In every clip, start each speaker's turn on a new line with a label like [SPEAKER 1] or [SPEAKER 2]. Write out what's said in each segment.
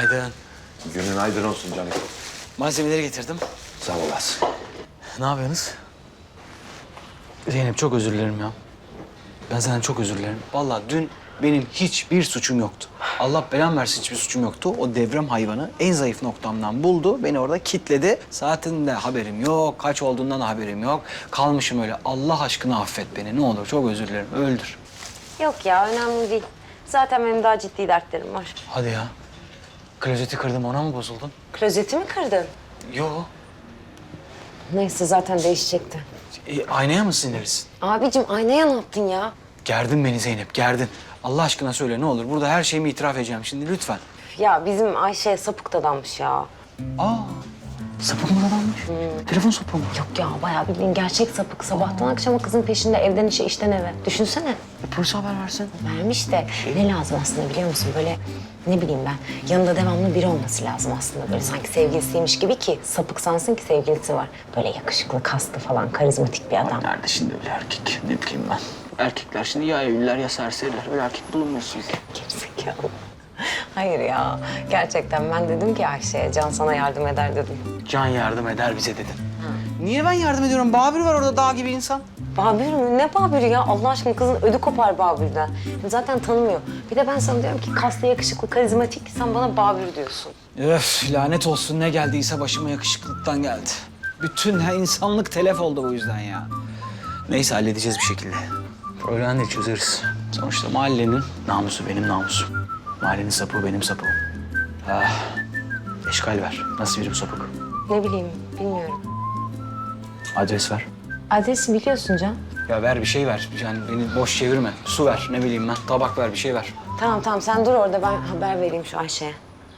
[SPEAKER 1] Günaydın.
[SPEAKER 2] Günün aydın olsun canım.
[SPEAKER 1] Malzemeleri getirdim.
[SPEAKER 2] Sağ olasın.
[SPEAKER 1] Ne yapıyorsunuz? Zeynep çok özür dilerim ya. Ben senden çok özür dilerim. Vallahi dün benim hiçbir suçum yoktu. Allah belamı versin hiçbir suçum yoktu. O devrem hayvanı en zayıf noktamdan buldu. Beni orada kilitledi. Saatinde haberim yok. Kaç olduğundan da haberim yok. Kalmışım öyle. Allah aşkına affet beni. Ne olur çok özür dilerim. Öldür.
[SPEAKER 3] Yok ya, önemli değil. Zaten benim daha ciddi dertlerim var.
[SPEAKER 1] Hadi ya. Klozeti kırdım ona mı bozuldun?
[SPEAKER 3] Klozeti mi kırdın?
[SPEAKER 1] Yo.
[SPEAKER 3] Neyse, zaten değişecekti.
[SPEAKER 1] Aynaya mı sinirlisin?
[SPEAKER 3] Abicim, aynaya ne yaptın ya?
[SPEAKER 1] Gerdin beni Zeynep, gerdin. Allah aşkına söyle ne olur. Burada her şeyimi itiraf edeceğim şimdi lütfen.
[SPEAKER 3] Ya bizim Ayşe sapık dadanmış ya.
[SPEAKER 1] Aa, sapık mı adammış? Telefon sapığı mı?
[SPEAKER 3] Yok ya, bayağı bildiğin gerçek sapık. Sabahtan akşama kızın peşinde, evden işe, işten eve. Düşünsene.
[SPEAKER 1] Polise haber versin.
[SPEAKER 3] Vermiş de ne lazım aslında biliyor musun? Böyle ne bileyim ben, yanında devamlı biri olması lazım aslında. Böyle sanki sevgilisiymiş gibi ki sapık sansın ki sevgilisi var. Böyle yakışıklı, kaslı falan, karizmatik bir adam.
[SPEAKER 1] Nerede şimdi öyle erkek? Ne bileyim ben. Erkekler şimdi ya evliler ya serseriler. Öyle erkek bulunmuyorsun ki.
[SPEAKER 3] Gerizekalı. Hayır ya, gerçekten ben dedim ki Ayşe'ye, Can sana yardım eder dedim.
[SPEAKER 1] Can yardım eder bize dedin. Niye ben yardım ediyorum? Babür var orada dağ gibi insan.
[SPEAKER 3] Babür mü? Ne Babür'ü ya? Allah aşkına kızın ödü kopar Babür'den. Zaten tanımıyor. Bir de ben sana diyorum ki kaslı, yakışıklı, karizmatik, sen bana Babür diyorsun.
[SPEAKER 1] Öf lanet olsun ne geldiyse başıma yakışıklıktan geldi. Bütün insanlık telef oldu bu yüzden ya. Neyse halledeceğiz bir şekilde. Problem değil çözeriz. Sonuçta mahallenin namusu benim namusum. Mahallenin sapığı benim sapığım. Ah, eşkal ver. Nasıl biri bu sapık?
[SPEAKER 3] Ne bileyim, bilmiyorum.
[SPEAKER 1] Adres ver.
[SPEAKER 3] Adresi biliyorsun Can.
[SPEAKER 1] Ya ver bir şey ver. Yani beni boş çevirme. Su ver ne bileyim ben. Tabak ver bir şey ver.
[SPEAKER 3] Tamam sen dur orada, ben haber vereyim şu Ayşe'ye.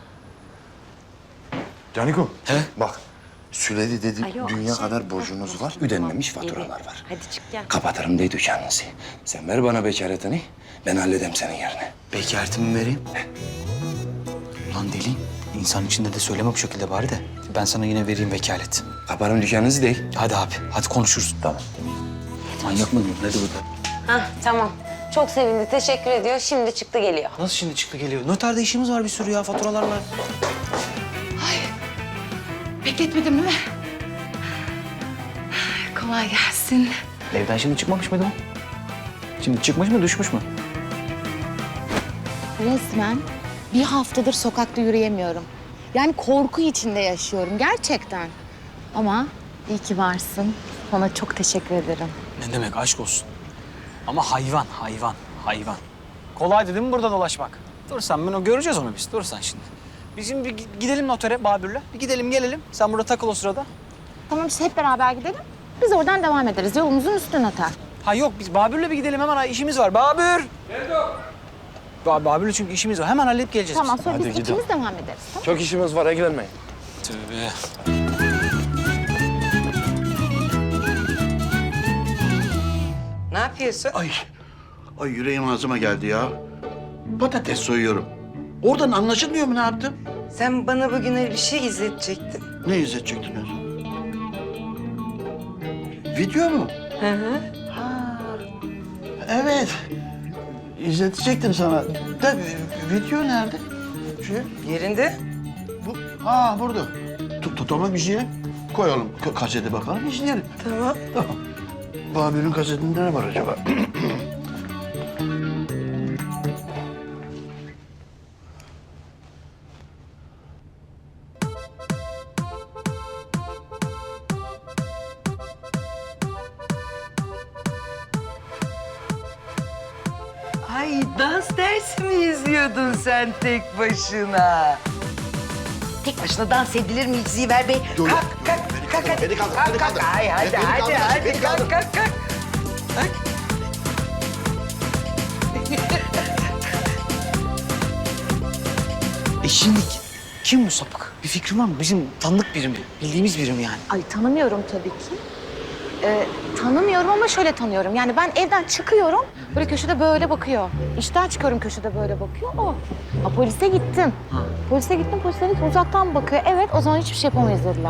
[SPEAKER 2] Canikom.
[SPEAKER 1] He?
[SPEAKER 2] Bak. Süleyli dedi
[SPEAKER 3] Alo,
[SPEAKER 2] dünya
[SPEAKER 3] Ayşe.
[SPEAKER 2] kadar borcunuz var. Ödenmemiş faturalar
[SPEAKER 3] İyi.
[SPEAKER 2] var.
[SPEAKER 3] Hadi çık gel.
[SPEAKER 2] Kapatırım dedi dükkanınızı. Sen ver bana bekaretini. Ben halledem senin yerine.
[SPEAKER 1] Bekaretimi vereyim. Ulan deli. İnsan içinde de söyleme bu şekilde bari de. Ben sana yine vereyim vekalet.
[SPEAKER 2] Kaparım dükkanınızı değil.
[SPEAKER 1] Hadi abi. Hadi konuşuruz.
[SPEAKER 2] Tamam.
[SPEAKER 1] Manyak mı? Ne de burada?
[SPEAKER 3] Hah, tamam. Çok sevindi, teşekkür ediyor. Şimdi çıktı geliyor.
[SPEAKER 1] Nasıl şimdi çıktı geliyor? Noterde işimiz var bir sürü ya. Faturalar var.
[SPEAKER 4] Bekletmedim değil mi? Kolay gelsin.
[SPEAKER 1] Evden şimdi çıkmamış mıydı o? Şimdi çıkmış mı, düşmüş mü?
[SPEAKER 4] Resmen bir haftadır sokakta yürüyemiyorum. Yani korku içinde yaşıyorum gerçekten. Ama iyi ki varsın. Sana çok teşekkür ederim.
[SPEAKER 1] Ne demek aşk olsun. Ama hayvan. Kolaydı değil mi burada dolaşmak? Dur sen bunu göreceğiz onu biz. Dur sen şimdi. Bizim bir gidelim notere Babür'le. Bir gidelim gelelim. Sen burada takıl o sırada.
[SPEAKER 4] Tamam işte hep beraber gidelim. Biz oradan devam ederiz. Yolumuzun üstüne atar.
[SPEAKER 1] Ha yok biz Babür'le bir gidelim hemen işimiz var. Babür! Nerede o? Babür'le çünkü işimiz var. Hemen halledip geleceğiz
[SPEAKER 4] Tamam
[SPEAKER 1] biz.
[SPEAKER 4] sonra
[SPEAKER 2] Hadi
[SPEAKER 4] biz
[SPEAKER 2] gidelim.
[SPEAKER 4] ikimiz devam ederiz. Tamam.
[SPEAKER 2] Çok işimiz var, ilgilenmeyin.
[SPEAKER 1] Tövbe.
[SPEAKER 5] Ne yapıyorsun?
[SPEAKER 6] Ay yüreğim ağzıma geldi ya. Patates soyuyorum. Oradan anlaşılmıyor mu ne yaptım?
[SPEAKER 5] Sen bana bugün öyle bir şey izletecektin.
[SPEAKER 6] Ne izletecektin Özlem? Video mu?
[SPEAKER 5] Hı hı.
[SPEAKER 6] Ha, evet. İzletecektim sana. Da video nerede? Şu,
[SPEAKER 5] Yerinde.
[SPEAKER 6] burada. Tamam izleyelim. Koyalım kasete bakalım izleyelim.
[SPEAKER 5] Tamam.
[SPEAKER 6] Tamam. Babür'ün kasetinde ne var acaba?
[SPEAKER 5] Ay dans dersi mi izliyordun sen tek başına? Tek başına dans edilir mi Ziver Bey?
[SPEAKER 6] Dur,
[SPEAKER 5] Kalk,
[SPEAKER 6] dur,
[SPEAKER 5] kalk,
[SPEAKER 6] beni
[SPEAKER 5] kalk,
[SPEAKER 6] kaldır,
[SPEAKER 5] hadi.
[SPEAKER 6] beni kaldır,
[SPEAKER 5] Kalk,
[SPEAKER 6] beni
[SPEAKER 5] kalk.
[SPEAKER 6] kaldır.
[SPEAKER 5] Hadi,
[SPEAKER 6] Beni
[SPEAKER 5] hadi,
[SPEAKER 6] kaldır,
[SPEAKER 5] hadi,
[SPEAKER 6] beni kaldır.
[SPEAKER 5] kalk. Kalk.
[SPEAKER 1] Şimdi kim bu sapık? Bir fikrin var mı? Bizim tanıdık biri mi? Bildiğimiz biri mi yani?
[SPEAKER 4] Ay tanımıyorum tabii ki. Tanımıyorum ama şöyle tanıyorum. Yani ben evden çıkıyorum, böyle köşede böyle bakıyor. İşten çıkıyorum, köşede böyle bakıyor. O. Ha, polise gittim. Polise gittim, polis dedi ki uzaktan bakıyor. Evet, o zaman hiçbir şey yapamayız dediler.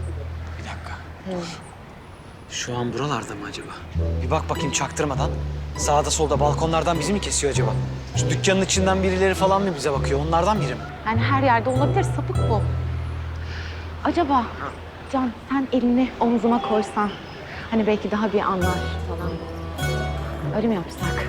[SPEAKER 1] Bir dakika. Şu an buralarda mı acaba? Bir bak bakayım çaktırmadan. Sağda solda balkonlardan bizi mi kesiyor acaba? Şu dükkanın içinden birileri falan mı bize bakıyor? Onlardan biri mi?
[SPEAKER 4] Yani her yerde olabilir, sapık bu. Acaba Can sen elini omzuma koysan, hani belki daha bir anlar falan. Öyle mi yapsak?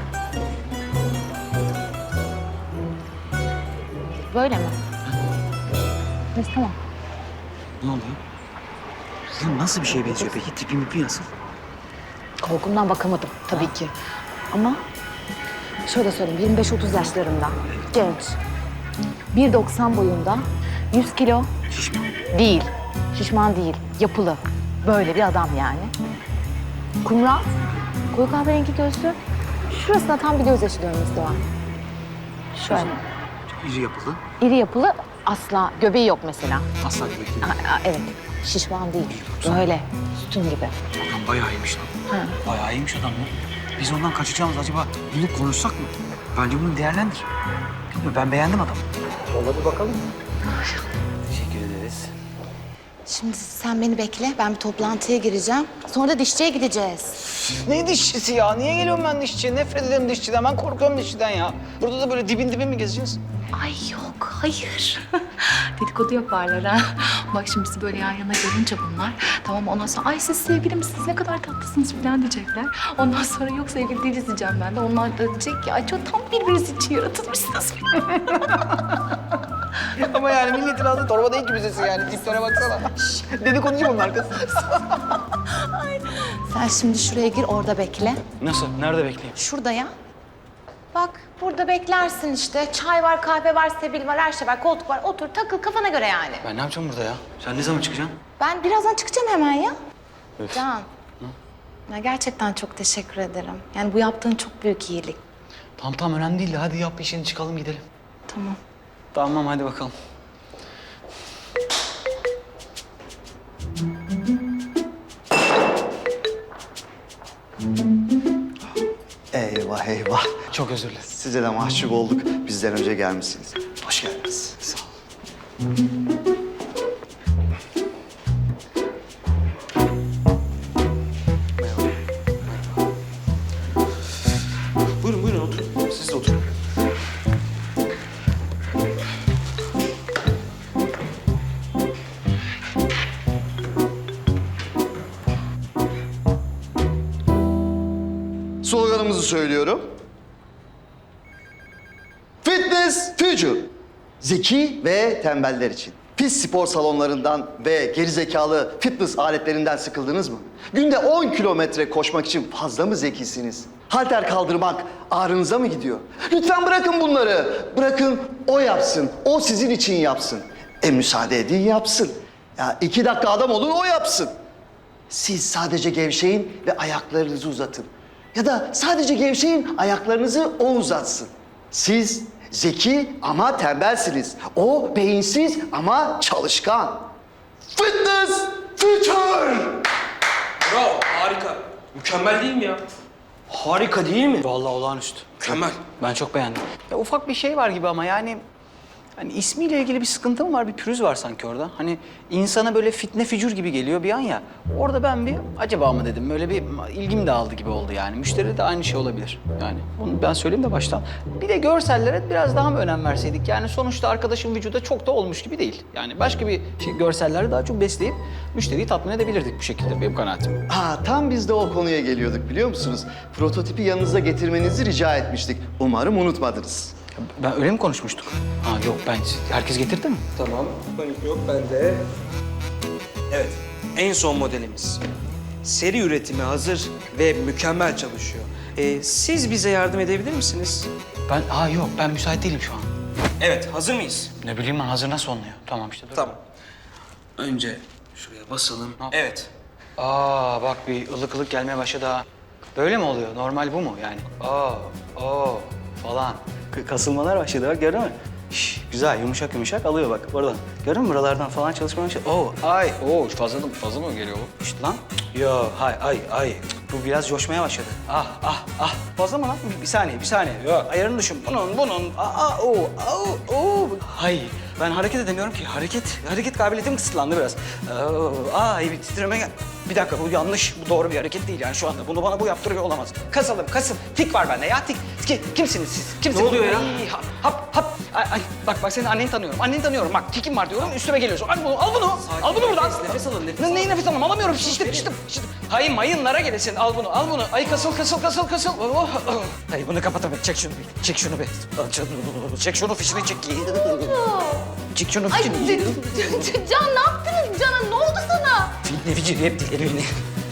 [SPEAKER 4] Böyle mi? Neyse tamam.
[SPEAKER 1] Ne oluyor? Ya nasıl bir şeye benziyor peki? Tipi mipi nasıl?
[SPEAKER 4] Korkumdan bakamadım tabii ki. Ama şöyle söyleyeyim, 25-30 yaşlarında, genç, 1.90 boyunda, 100 kilo.
[SPEAKER 1] Şişman.
[SPEAKER 4] Değil, şişman değil, yapılı. Böyle bir adam yani. Kumral, koyu kahverengi gözlü. Şurasında tam bir gözyaşı dönmesi var. Şöyle.
[SPEAKER 1] İri yapılı.
[SPEAKER 4] İri yapılı, asla göbeği yok mesela.
[SPEAKER 1] Asla göbek değil.
[SPEAKER 4] Evet, şişman değil. Böyle, sütun gibi.
[SPEAKER 1] Adam bayağı iyiymiş lan.
[SPEAKER 4] Ha.
[SPEAKER 1] Bayağı iyiymiş adam ya. Biz ondan kaçacağımız acaba bulup konuşsak mı? Bence bunu değerlendir. Bilmiyorum, ben beğendim adamı. Yola bir bakalım. Teşekkür ederiz.
[SPEAKER 4] Şimdi sen beni bekle, ben bir toplantıya gireceğim. Sonra da dişçiye gideceğiz.
[SPEAKER 1] Ne dişçisi ya? Niye geliyorum ben dişçiye? Nefret ederim dişçiden. Ben korkuyorum dişçiden ya. Burada da böyle dibin mi gezeceğiz?
[SPEAKER 7] Ay yok, hayır. Dedikodu yaparlar ha. Bak şimdi bizi böyle yan yana görünce bunlar, tamam ondan sonra ay siz sevgili misiniz, ne kadar tatlısınız falan diyecekler. Ondan sonra yok sevgili değiliz diyeceğim ben de. Onlar da diyecek ki ay çok tam birbiriniz için yaratılmışsınız.
[SPEAKER 1] Ama yani milletin ağzı torba değil ki bizesi yani. Tiplere baksana. Dedikoducu bunlar kız.
[SPEAKER 4] Sen şimdi şuraya gir, orada bekle.
[SPEAKER 1] Nasıl? Nerede bekleyeyim?
[SPEAKER 4] Şurada ya. Bak burada beklersin işte. Çay var, kahve var, sebil var, her şey var, koltuk var. Otur, takıl kafana göre yani.
[SPEAKER 1] Ben ne yapacağım burada ya? Sen ne zaman çıkacaksın?
[SPEAKER 4] Ben birazdan çıkacağım hemen ya. Can. Ya gerçekten çok teşekkür ederim. Yani bu yaptığın çok büyük iyilik.
[SPEAKER 1] Tamam önemli değil de hadi yap işini çıkalım gidelim.
[SPEAKER 4] Tamam.
[SPEAKER 1] Tamam hadi bakalım.
[SPEAKER 8] Eyvah eyvah.
[SPEAKER 1] Çok özür dilerim.
[SPEAKER 8] Size de mahcup olduk. Bizden önce gelmişsiniz. Hoş geldiniz. Sağ olun.
[SPEAKER 2] Buyurun buyurun oturun. Siz de oturun.
[SPEAKER 8] Sloganımızı söylüyorum. Fitness Future. Zeki ve tembeller için. Pis spor salonlarından ve gerizekalı fitness aletlerinden sıkıldınız mı? Günde 10 kilometre koşmak için fazla mı zekisiniz? Halter kaldırmak ağrınıza mı gidiyor? Lütfen bırakın bunları. Bırakın o yapsın. O sizin için yapsın. Müsaade edin yapsın. Ya 2 dakika adam olun o yapsın. Siz sadece gevşeyin ve ayaklarınızı uzatın. Ya da sadece gevşeyin, ayaklarınızı o uzatsın. Siz zeki ama tembelsiniz. O beyinsiz ama çalışkan. Fitness Future!
[SPEAKER 2] Bravo, harika. Mükemmel değil mi ya? Harika değil mi?
[SPEAKER 1] Vallahi olağanüstü.
[SPEAKER 2] Mükemmel.
[SPEAKER 1] Ben çok beğendim. Ya ufak bir şey var gibi ama yani... Hani ismiyle ilgili bir sıkıntı mı var, bir pürüz var sanki orada. Hani insana böyle fitne fücur gibi geliyor bir an ya. Orada ben bir acaba mı dedim, böyle bir ilgim dağıldı gibi oldu yani. Müşteride de aynı şey olabilir yani. Bunu ben söyleyeyim de baştan. Bir de görsellere biraz daha mı önem verseydik? Yani sonuçta arkadaşın vücuda çok da olmuş gibi değil. Yani başka bir şey, görselleri daha çok besleyip müşteriyi tatmin edebilirdik bu şekilde, benim kanaatim.
[SPEAKER 8] Tam biz de o konuya geliyorduk biliyor musunuz? Prototipi yanınıza getirmenizi rica etmiştik. Umarım unutmadınız.
[SPEAKER 1] Ben öyle mi konuşmuştuk? Ha yok, herkes getirdi mi?
[SPEAKER 2] Tamam, panik yok bende. Evet, en son modelimiz. Seri üretime hazır ve mükemmel çalışıyor. Siz bize yardım edebilir misiniz?
[SPEAKER 1] Yok, ben müsait değilim şu an.
[SPEAKER 2] Evet, hazır mıyız?
[SPEAKER 1] Ne bileyim ben, hazır nasıl oluyor? Tamam işte dur.
[SPEAKER 2] Tamam. Önce şuraya basalım. Evet.
[SPEAKER 1] Bak bir ılık ılık gelmeye başladı ha. Böyle mi oluyor? Normal bu mu yani? Falan. Kasılmalar başladı bak, gördün mü? Güzel, yumuşak yumuşak alıyor bak oradan. Gördün mü? Buralardan falan çalışmaya başladı. Fazla mı geliyor bu? İşte lan. Yo, ay. Bu biraz coşmaya başladı. Ah, ah, ah. Fazla mı lan? Bir saniye, bir saniye. Yok, ayarını düşün. Bunun. Hay, ben hareket edemiyorum ki. Hareket kabiliyetim kısıtlandı biraz. Ay, bir titreme gel. Bir dakika, bu yanlış. Bu doğru bir hareket değil yani şu anda. Bunu bana bu yaptırıyor olamaz. Kasılım. Tik var bende ya, tik. Kimsiniz siz? Kimsiniz?
[SPEAKER 2] Ne oluyor ya?
[SPEAKER 1] Ay, hap. Ay, bak senin anneni tanıyorum. Anneni tanıyorum. Bak, tikim var diyorum. Üstüme geliyorsun. Al bunu. Al bunu buradan.
[SPEAKER 2] Nefes alın, nefes alın.
[SPEAKER 1] Neyi nefes alın? Alamıyorum. Şiştim. Hayır, mayınlara gelesin. Al bunu. Ay, kasıl. Hayır, bunu kapatamam. Çek şunu be. Çek şunu, fişini çek. Çek şunu,
[SPEAKER 7] Ay
[SPEAKER 1] fişini.
[SPEAKER 7] Can ne yaptınız Can'a? Ne oldu sana?
[SPEAKER 1] Ne biçim hep dileri beni.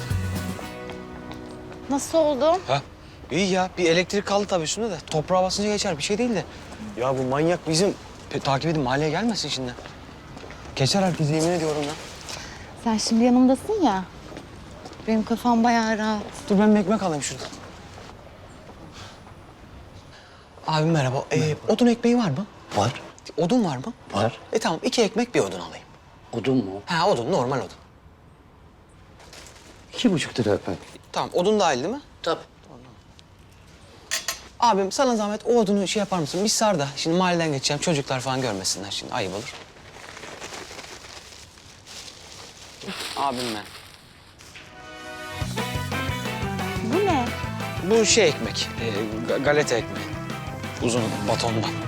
[SPEAKER 4] Nasıl oldu?
[SPEAKER 1] Ha? İyi ya. Bir elektrik kaldı tabii üstünde de. Toprağa basınca geçer. Bir şey değil de. Ya bu manyak bizim... takip edin, mahalleye gelmesin şimdi. Geçer herkes, yemin ediyorum ya.
[SPEAKER 4] Sen şimdi yanımdasın ya. Benim kafam bayağı rahat.
[SPEAKER 1] Dur ben bir ekmek alayım şurada. Abim merhaba. Odun ekmeği var mı?
[SPEAKER 6] Var.
[SPEAKER 1] Odun var mı?
[SPEAKER 6] Var.
[SPEAKER 1] Tamam, 2 ekmek bir odun alayım.
[SPEAKER 6] Odun mu?
[SPEAKER 1] Ha, odun, normal odun.
[SPEAKER 6] 2,5 lira efendim.
[SPEAKER 1] Tamam, odun dahil değil mi?
[SPEAKER 6] Tabii.
[SPEAKER 1] Abim sana zahmet o odunu şey yapar mısın? Bir sar da. Şimdi mahalleden geçeceğim, çocuklar falan görmesinler şimdi. Ayıp olur. Abim ben.
[SPEAKER 4] Bu ne?
[SPEAKER 1] Bu şey ekmek, galeta ekmeği. Uzun batondan.